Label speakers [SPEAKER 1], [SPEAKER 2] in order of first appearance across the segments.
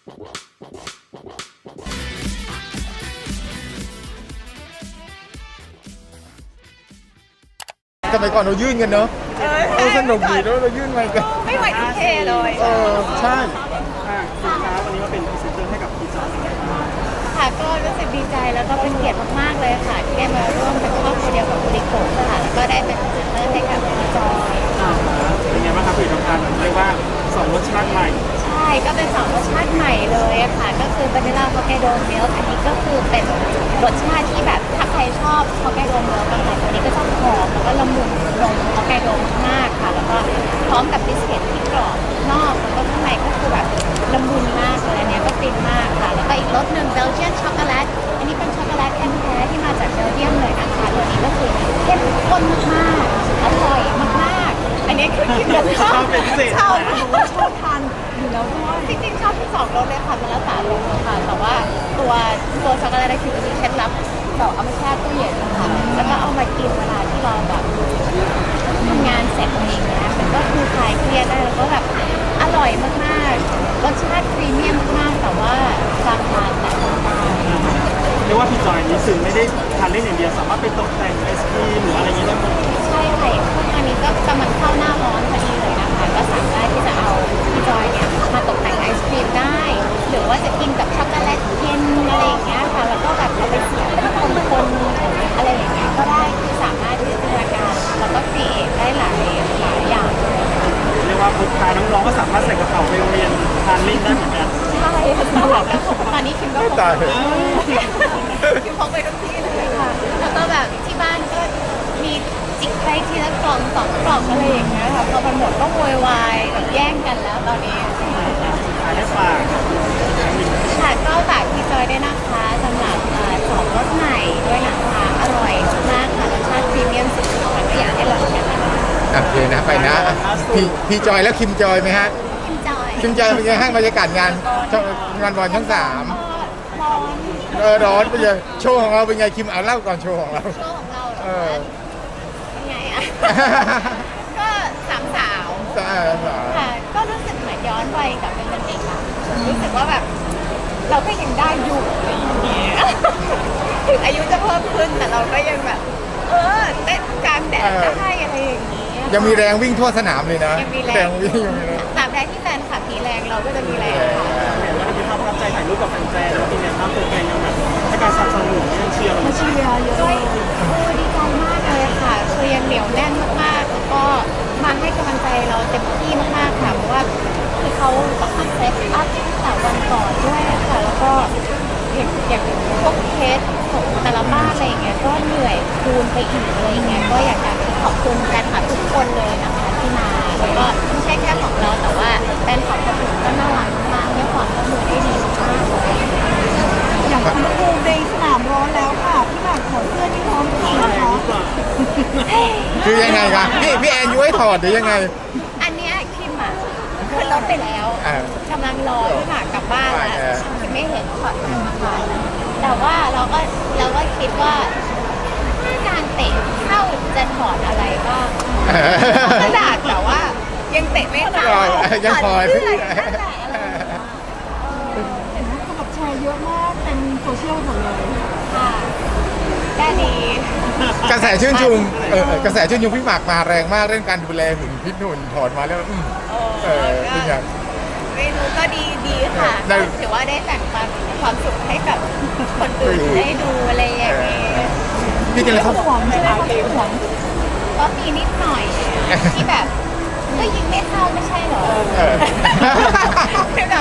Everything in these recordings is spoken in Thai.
[SPEAKER 1] สมัยก่อนเรายื่นกันเนอะสนุกดีแล้วเรายื่นมากัน
[SPEAKER 2] ไม่ไหวทุกเทเลย
[SPEAKER 1] ใช่
[SPEAKER 3] คุณค้าวันนี้มาเป็นพรีเซนเตอร์ให้กับพี่จอย
[SPEAKER 2] ค่ะก็รู้สึกดีใจแล้วก็เป็นเกียรติมากๆเลยค่ะที่ได้มาร่วมเป็นครอบครัวเดียวกับบุริโกะค่ะแล้วก็ได้เป็นพรีเซนเตอร์ให้กับพี่จอย
[SPEAKER 3] เป็นไงบ้างครับผลิตภัณฑ์เรียกว่า2รสชาติใหม่
[SPEAKER 2] ใช่ก็เป็น2รสชาติใหม่เลยค่ะก็คือวานิลลาฮอกไกโดมิลค์อันนี้ก็คือเป็นรสชาติที่แบบถ้าใครชอบฮอกไกโดมิลค์กันค่ะตัวนี้ก็จะหอมแล้วก็ละมุนลงฮอกไกโดมากๆค่ะแล้วก็พร้อมกับบิสกิตที่กรอบนอกแล้วก็ข้างในก็คือแบบละมุนมากเลยอันนี้ก็ฟินมากค่ะแล้วก็อีกรสหนึ่งเบลเยียนช็อกโกแลตอันนี้เป็นช็อกโกแลตแท้ๆที่มาจากเบลเยียมเลยนะคะตัวนี้ก็คือเข้มข้นมากๆอร่อยมากๆอันนี้คือกินแล้วชอบชอบทานอยู่แล้วด้วยจริงๆชอบทั้ง2รสเลยค่ะมันแล้วแต่รสค่ะแต่ว่าตัวช็อกโกแลตคือมีเคล็ดลับเราเอามาแช่ตู้เย็นค่ะแล้วก็เอามากินเวลาที่เราแบบทำงานเสร็จอะไรอย่างเงี้ยมันก็คือคลายเครียดได้แล้วก็แบบอร่อยมากๆรสชาติพรีเมียมมากๆแต่ว่าราคาแต่
[SPEAKER 3] เรียกว่าพี่จอยนี้สื่อไม่ได้ทานเล่นอย่างเดียวสามารถไปตกแต่งไอศครีมหรืออะไรอย่างนี้ได้หมด
[SPEAKER 2] ใช่ค่ะพวกอันนี้ก็กำลังเข้าหน้าร้อนพอดีเลยนะคะก็สามารถที่จะเอาพี่จอยเนี่ยมาตกแต่งไอศครีมได้หรือว่าจะกินกับช็อกโกแลตเย็นอะไรอย่างเงี้ยค่ะแล้วก็แบบเอาไปเสียบเป็นคนๆอะไรอย่างเงี้ยก็ได้คือสามารถที่จะจินตนาการแล้วก็ครีเอทได้หลายอย่าง
[SPEAKER 3] เรียกว่าพกพาน้องๆก็สามารถใส่กระเป๋าไปโรงเรียนทานเล่นได้เหมือนกัน
[SPEAKER 2] ใช่ตอนนี้คิมก็พกคิมพกไปทุกที่เลยค่ะแล้วก็แบบที่บ้านก็มีจิกไปทีละกล่อง2 กล่องอะไรอย่างเงี้ยค่ะพอมันหมดก็โวยวายแบบแย่งกันแล้วตอนนี้
[SPEAKER 3] ได้ฝาก
[SPEAKER 2] ค่ะก็ฝากพี่จอยด้วยนะคะสำหรับ2รสใหม่ด้วยนะคะอร่อยมากค่ะรสชาติพรีเมียมสุดๆค่ะก็อยากให้ลองกันนะคะ
[SPEAKER 1] เลยนะไปนะพี่จอยแล้วคิมจอยไหมฮะ
[SPEAKER 2] คิมจอย
[SPEAKER 1] เป็นไงห้างบรรยากาศงานบอลทั้ง3ร้อนเป็นไงโชว์ของเราเป็นไงคิมเอาเล่าก่อนโชว์ของเรา
[SPEAKER 2] เป็นไงอ่ะก็3 สาวค่ะก็รู้สึกเหมือนย้อนวัยกลับเป็นเด็กอ่ะรู้สึกว่าแบบเราก็ยังได้อยู่อย่างเงี้ยถึงอายุจะเพิ่มขึ้นแต่เราก็ยังแบบเต้นกลางแดดได้อะไรอย่างนี้
[SPEAKER 1] ยังมีแรงวิ่งทั่วสนามเลยนะ
[SPEAKER 2] ยังมีแรง
[SPEAKER 1] วิ่ง
[SPEAKER 2] ตามใดที่แฟนขับมีแรงเราก็จะมีแรงค่ะ
[SPEAKER 3] แล้วมีภาพประทับใจถ่ายรูปกับแฟนๆแล้วมีเนี่ยภาพตัวแฟนยังแบบให้การสนับสนุนยังเชียร์เรา
[SPEAKER 2] เยอะดีใจมากเลยค่ะคือยังเหนียวแน่นมากๆแล้วก็มาให้กำลังใจเราเต็มที่มากๆค่ะเพราะว่าคือเขาต้องมาเซตอัพแต่วันก่อนด้วยค่ะแล้วก็อย่างพวกเคสของแต่ละบ้านอะไรอย่างเงี้ยก็เหนื่อยคูณไปอีกอะไรอย่างเงี้ยก็อยากจะขอบคุณแฟนคลับทุกคนเลยนะคะที่มาแล้วก็ไม่ใช่แค่ของเราแต่ว่าแฟนคลับคนอื่นก็น่ารักมากให้ความร่วมมือได้ดีมากเลย
[SPEAKER 4] อย่างคุณครูในสนามร้อนแล้วค่ะพี่หมากถอดเสื้อที่พร้อมทีนะคะ
[SPEAKER 1] คือยังไงคะพี่แอนยุ้ยถอดหรือยังไง
[SPEAKER 2] อันเนี้ยคิมอ่ะขึ้นรถไปแล้วกำลังรอพี่หมากกลับบ้านแล้วคิมไม่เห็นถอดมาแต่ว่าเราก็คิดว่าถ้าการเตะเข้าจะถอดอะไรบ้างกระดาษแต่ว่ายังเตะไม่เข้า
[SPEAKER 1] ยังพอ
[SPEAKER 4] เห็นไหมคนแบบแชร์เยอะมากเต็มโซเชียลหมดเลย
[SPEAKER 2] ค่ะได้ดี
[SPEAKER 1] กระแสชื่นชมพี่หมากมาแรงมากเรื่องการดูแลหุ่นพิษหุ่นถอดมาแล้วเป็นไง
[SPEAKER 2] ไม่รู้ก็ดีค่ะถือว่าได้แบ่งความสุขให้กับคนอื่นได้ดูอะไรอย่างนี้
[SPEAKER 1] พี่จะเลยเขา
[SPEAKER 4] หวังใช่ไหมหวัง
[SPEAKER 2] ก็มีนิดหน่อยที่แบบก็ยิงไม่เข้าไม่ใช่หรอคือแบบ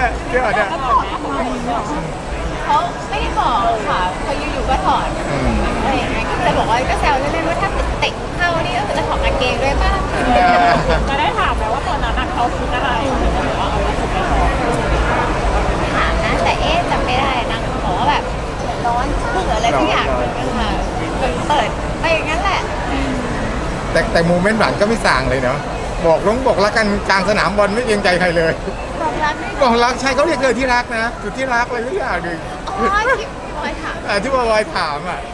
[SPEAKER 2] เขาไม่ได้บอกค่ะเขาอยู่ๆก็ถอดอะไรอย่างเงี้ยก็เลยบอกว่าก็แซวเล่นๆว่าถ้าเตะเข้านี่ก็จะถอดกางเกงด้วยป่ะ
[SPEAKER 4] จะได้ถามไหมว่าตอนนั้นเขาคิดอะไรหรือว่าเอาถูกไป
[SPEAKER 2] ถามนะแต่จำไม่ได้นางบอกว่าแบบร้อนหรืออะไรทุกอย่างเหมือนกันค่ะเปิดไปอย่างนั้นแหละ
[SPEAKER 1] แต่โมเมนต์หวานก็ไม่ส่างเลยเนาะบอกรักกันกลางสนามบอลไม่เกรงใจใครเลยบอกรักใช่เขาเรียกที่รักนะจุดที่รักอะไรทุกอย่างเลยที่บอยถามอ่ะ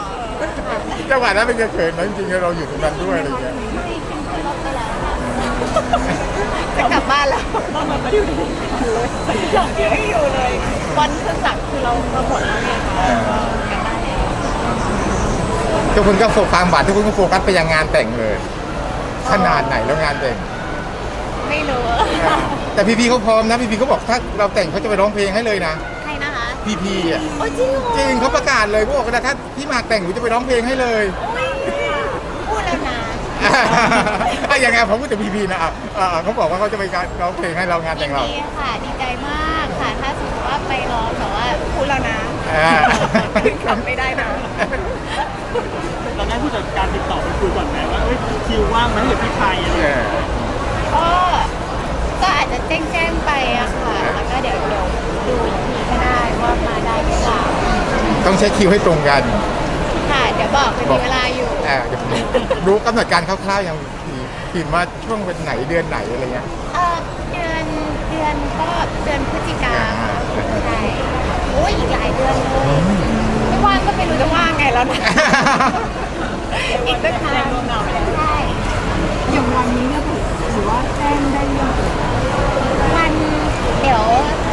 [SPEAKER 1] จังหวะนั้นเป็นเขินนะจริงๆเราอยู่ตรงนั้นด้วยอะไรอย่างเงี้ย
[SPEAKER 2] ไม่ขึ้นรถไปแล้วค่ะจะกลับบ้านแล้ว
[SPEAKER 4] ต้องมาอยู่ดีเลยอย่างเดียวไม่อยู่เลย
[SPEAKER 2] วันครึ่งหลังคือเราหมดแล้วไงคะก็กลับบ้านแล้ว
[SPEAKER 1] ทุกคนก็โฟกัสความหวานทุกคนก็โฟกัสไปยังงานแต่งเลยขนาดไหนแล้วงานแต่ง
[SPEAKER 2] ไม่รู้
[SPEAKER 1] แต่พีพีเขาพร้อมนะพีพีเขาบอกถ้าเราแต่งเขาจะไปร้องเพลงให้เลยนะ
[SPEAKER 2] ใครนะคะ
[SPEAKER 1] พีพีอ่ะ
[SPEAKER 2] โอ้จริงเหรอ
[SPEAKER 1] จริงเขาประกาศเลยเขาบอกว่าถ้าพี่หมากแต่งหนูจะไปร้องเพลงให้เลย
[SPEAKER 2] โอ้ยพูดแล้วนะ
[SPEAKER 1] อย่างไงผมพูดถึงพีพีนะเขาบอกว่าเขาจะไปร้องเพลงให้เรางานแต่งเรา
[SPEAKER 2] ยินดีค่ะดีใจมากค่ะ ถ้าสมมติว่าไปร้องแต่ว่าพูดแล้วนะ
[SPEAKER 1] อ่า
[SPEAKER 2] ทำไม่ได้นะ
[SPEAKER 3] เราได้ผู้จัดการติดต่อไปคุยก่อนไหมว่าเอ้ยคิวว่างไหมหรือพี่ไทยอะไรอย่างเงี้ย
[SPEAKER 2] ก็ก็อาจจะแจ้งไปอะค่ะ แล้วก็เดี๋ยวดูอีกทีก็ได้ว่ามาได้หรือเปล่า
[SPEAKER 1] ต้องเช็คคิวให้ตรงกัน
[SPEAKER 2] ค่ะ เดี๋ยวบอกเป็นมีเวลาอยู่
[SPEAKER 1] เดี๋ยวรู้กำหนดการคร่าวๆยังผิดมาช่วงเป็นไหนเดือนไหนอะไรเงี้ย
[SPEAKER 2] เดือนก็เดือนพฤศจิกาค่ะใช่โอ้ยอีกหลายเดือนเลยไม่ว่างก็ไม่รู้จะว่างไงแล้วนะ อีกตั้งนานใช่
[SPEAKER 4] อย่างวันนี้เนี่ยถือว่าแจ้งได้ยัง
[SPEAKER 2] วันเดี๋ยว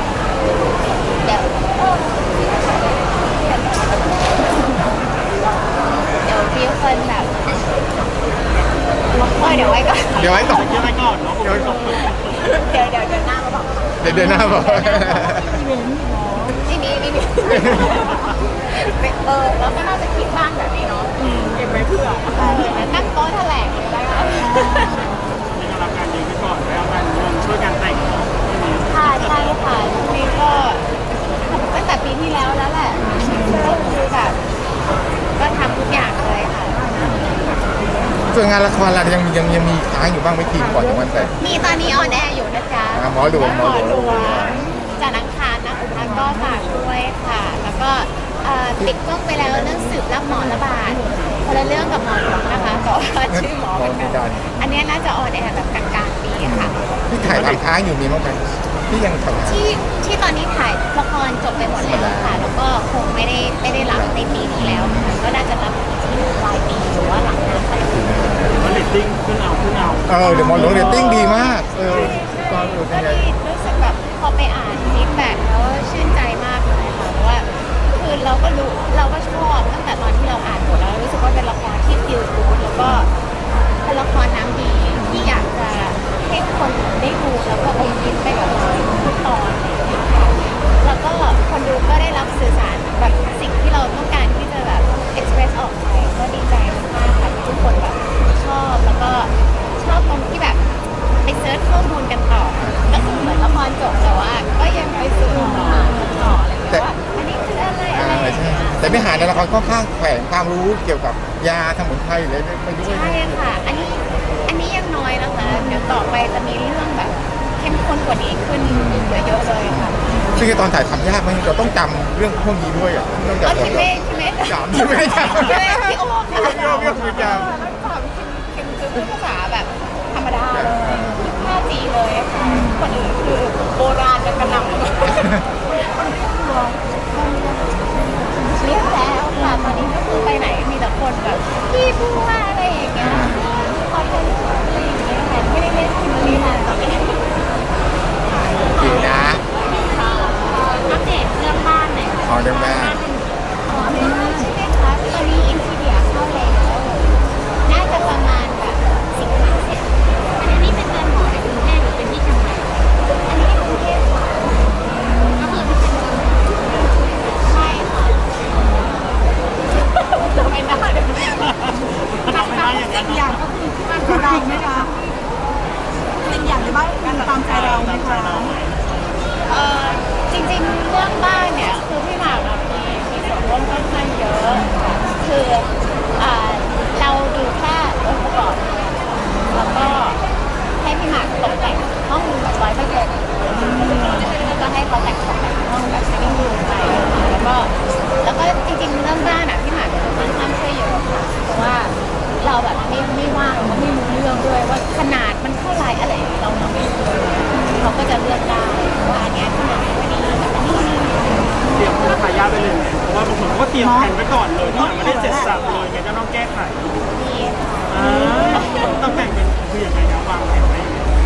[SPEAKER 2] มีคนแบบเดี๋ยวไว้ก่อน
[SPEAKER 1] เดี๋ยวไว้ก่อน
[SPEAKER 3] เดี๋ยวไปก่อนเนาะ
[SPEAKER 1] เดี๋ยวไว้ก่อน
[SPEAKER 2] เดี๋ยวหน้ามาบอก
[SPEAKER 1] เดี๋ยวหน้าบอก
[SPEAKER 2] นี่เราก็น่าจะคิดบ้างแบบนี้เนาะ
[SPEAKER 4] เก็บไว้เพื่อ
[SPEAKER 2] นั่งโต๊ะแถลงเลยแล้วกัน
[SPEAKER 3] มีกำลังการยืนไปก่อนแล้วงานรวมช่วยกันแต่ง
[SPEAKER 2] ค่ะใช่ค่ะช่วงนี้ก็ตั้งแต่ปีที่แล้วแล้วแหละก็คือแบบก็ทำทุกอย่างเลยค่ะ
[SPEAKER 1] ส่วนงานละครเรายังมีค้างอยู่บ้างไหม่ทีก่อนถึงวันแต่ง
[SPEAKER 2] มีตอนนี้ออนแอร์อยู่นะจ๊ะ
[SPEAKER 1] หมอหลวง
[SPEAKER 2] จากนังคารนะคะก็ฝากด้วยค่ะ แล้วก็ติดกล้องไปแล้วเรื่องสืบรับหมอระบาดคนละเรื่องกับหมอหลวงนะคะแต่ว่าชื่อหมอเหมือนกันอันนี้น่าจะออนแอร์แบบกลางๆปีค่ะ
[SPEAKER 1] ที่ถ่ายทำค้างอยู่มีมั้งไหมที่ยังทำ
[SPEAKER 2] ที่ตอนนี้ถ่ายละครจบไปหมดแล้วค่ะ แล้วก็คงไม่ได้รับในปีนี้แล้วค่ะก็น่าจะรับที่ปลายปีหรือว่าหลังงานไป
[SPEAKER 3] ว่าเรตติ้งขึ้นเอา
[SPEAKER 1] เดี๋ยวหมอหลวงเรตติ้งดีมากก็
[SPEAKER 2] ก็ดีรู้สึกแบบพอไปอ่านฟีดแบ็กแล้วชื่นใจมากเลยค่ะเพราะว่าคือเราก็รู้เราก็ชอบตั้งแต่ตอนที่เราอ่านบทแล้วรู้สึกว่าเป็นละครที่ฟีลกู๊ดแล้วก็เป็นละครน้ำดีที่อยากจะให้คนได้ดูแล้วก็อมยิ้มไปกับเราทุกตอนแล้วก็คนดูก็ได้รับสื่อสารแบบสิ่งที่เราต้องการที่จะแบบ express ออกไปก็ดีใจมากค่ะที่ทุกคนแบบชอบแล้วก็ชอบตรงที่แบบไปเซิร์ชข้อมูลกันต่อก็คือเหมือนละครจบแต่ว่าก็ยังไปซื้อหาต่ออะไรอย่างเงี้ยว่าอันนี้คืออะไรอะไรอย่าง
[SPEAKER 1] ใช่
[SPEAKER 2] เงี้ย
[SPEAKER 1] แต่ไม่หาในละครค่อนข้างแฝงความรู้เกี่ยวกับยาสมุนไพรเลยไปด้วย
[SPEAKER 2] ใช่ค่ะ อันนี้ยังน้อยนะคะ เดี๋ยวต่อไปจะมีเรื่องแบบเข้มข้นกว่านี้ขึ้นเยอะเลยค่ะ
[SPEAKER 1] ซึ่งตอนถ่ายทำยากไหมเราต้องจำเรื่องพวกนี้ด้วยอ่ะต้อง
[SPEAKER 2] ก็
[SPEAKER 1] จำ
[SPEAKER 2] ที่ไม่
[SPEAKER 1] จำที่ไม่จำ
[SPEAKER 2] พี่โอม
[SPEAKER 1] พี่โอมคือจำ
[SPEAKER 2] แล้วสามคิมคือพูดภาษาแบบธรรมดาเลย5G เลยค่ะคนอื่นคือโบราณกันกระหน่ำเรียกแล้วค่ะตอนนี้ก็คือไปไหนมีแต่คนแบบพี่พูดว่าอะไรอย่างเงี้ยขอถ่ายรูปอะไรอย่างเงี้ยค่ะไม่ได้เล่นคิมเบอร์รี่แล้วตอนนี้
[SPEAKER 1] จริงนะ
[SPEAKER 2] อัปเดตเรื่องบ้านหน่อยค่ะ
[SPEAKER 1] ขอเรื่องบ้าน
[SPEAKER 2] ใช่ไหมคะตอนนี้อินทีเดียเข้าแล้วน่าจะประมาณแบบสิงหาเสร็จอันนี้เป็นเรือนหอในกรุงเทพหรือเป็นที่เชียงใหม่อันนี้กรุงเทพค่ะก็คือที่เป็นใช่ค่ะทำไมหน้าเดี๋ยว
[SPEAKER 3] ทำไม่ได้อย่างนั้น
[SPEAKER 4] อีกอย่างก็คือที่บ้านของเราไหมคะเป็นอย่างในบ้านการตามใจเราไหมคะ
[SPEAKER 2] จริงๆเรื่องบ้านเนี่ยคือพี่หมากอะมีส่วนร่วมค่อนข้างเยอะค่ะคือเราดูแค่องค์ประกอบแล้วก็ให้พี่หมากตกแต่งห้องแบบ100%แล้วก็ให้เขาแต่งตกแต่งห้องแบบนิ่งดูไปแล้วก็จริงๆเรื่องบ้านอะพี่หมากจะค่อนข้างช่วยเยอะค่ะเพราะว่าเราแบบไม่ว่างเราไม่รู้เรื่องด้วยว่าขนาดมันเท่าไหร่อะไรเราไม่รู้เขาก็จะเลือกได้ว่าอันเนี้ยขนาดไม่ดีแบบอันนี้
[SPEAKER 3] เตรียมตัวทายาทไปเลยไหมเพราะว่าบางคนเขาก็เตรียมแผนไว้ก่อนเลยที่ยังไม่ได้เสร็จสับเลยไงก็ต้องแก้ไข
[SPEAKER 2] ดีค่ะ
[SPEAKER 3] ต้องแต่งเป็นคือยังไงนะวางแผนไว้ยังไง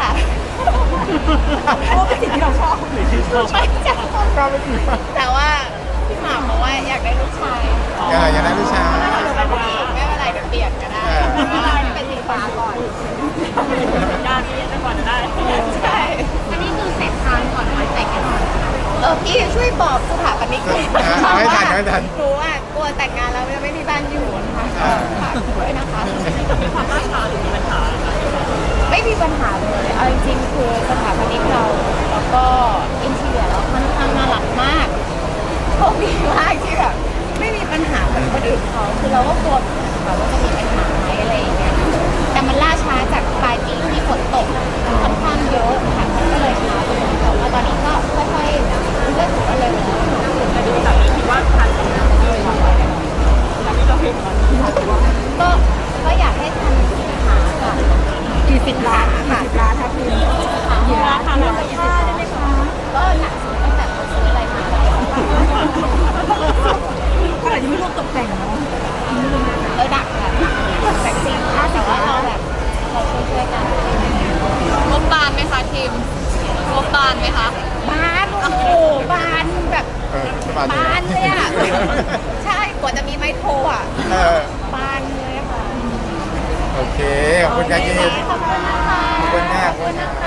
[SPEAKER 4] เพราะว่าเป็นสิ่งที่เราชอบ
[SPEAKER 3] หรือที่ชอบ
[SPEAKER 2] ไม่ใช่
[SPEAKER 1] ก็ไม่ดีมาก
[SPEAKER 2] แต่ว่าพี่หมากบอกว่าอยากได้ลูกชาย
[SPEAKER 1] อย่าได้ผู้ชาย
[SPEAKER 2] ไม่เป็นไรเดี๋ยวเปลี่ยนก็ได้แต่ว่าเป็นสีฟ้าก่อน
[SPEAKER 3] ยากที่จะก่อนได้
[SPEAKER 2] ใช่อันนี้คือเสร็จทางก่อนไว้แต่งงานพี่ช่วยบอกสถาปนิกหน่อย
[SPEAKER 1] ไม่ทันไม่ทัน
[SPEAKER 2] หนูอ่ะกลัวแต่งงานแล้วจะไม่มีบ้านอยู่นะคะฝากด้วยนะคะ
[SPEAKER 3] มีความล่าช้าหรือมีปัญหา
[SPEAKER 2] ไม่มีปัญหาเลยเอาจริงๆคือสถาปนิกเราแล้วก็อินทีเรียเราค่อนข้างน่ารักมากโชคดีมากที่แบบไม่มีปัญหาเหมือนคนอื่นเขาคือเราก็กลัวค่ะว่าจะมีปัญหาไหมอะไรอย่างเงี้ยแต่มันล่าช้าจากปลายปีที่ฝนตกค่อนข้างเยอะค่ะมันก็เลยช้าไปหน่อยแต่ว่าตอนนี้ก็ค่อยๆเริ่มเร็วแล้ว
[SPEAKER 3] แต่ดูจากนี้คิดว่าทันกับงานที่เราไปแต่ที่เราเห็นมัน
[SPEAKER 2] ก็อยากให้ทันสินค้าค่ะ
[SPEAKER 4] กี่สิบล้านค่ะ10 ล้านครับคุณ
[SPEAKER 2] กี่ร้านทำอะไรค่าได้ไหมคะก็หนักสุดตั้งแต่เขาซื้ออะไรมาแล้ว
[SPEAKER 4] ก็อาจจะไม่รวมตกแต่งเนาะ
[SPEAKER 2] หนักค่ะแต่จริงๆแต่ว่าเราแบบเราช่วยๆกัน
[SPEAKER 5] งบบานไหมคะทีมงบบานไหมคะ
[SPEAKER 2] บานโอ้โหบานแบบ
[SPEAKER 1] บาน
[SPEAKER 2] บานเลยอ่ะใช่กว่าจะมีไมโครอ่ะ
[SPEAKER 1] เออบ
[SPEAKER 2] านเลยอะค่ะ
[SPEAKER 1] โอเค ขอบคุณครับยินดี
[SPEAKER 2] ขอบคุณนะคะ
[SPEAKER 1] ขอบคุณมาก
[SPEAKER 2] ขอบคุณนะคะ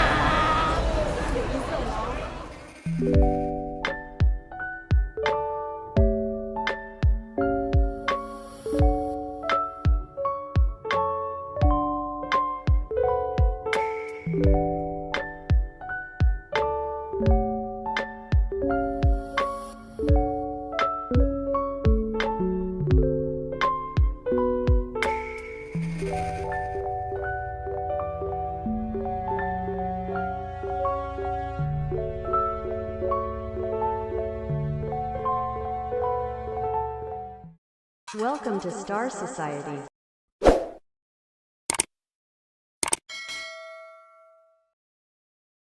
[SPEAKER 6] Welcome to Star Society.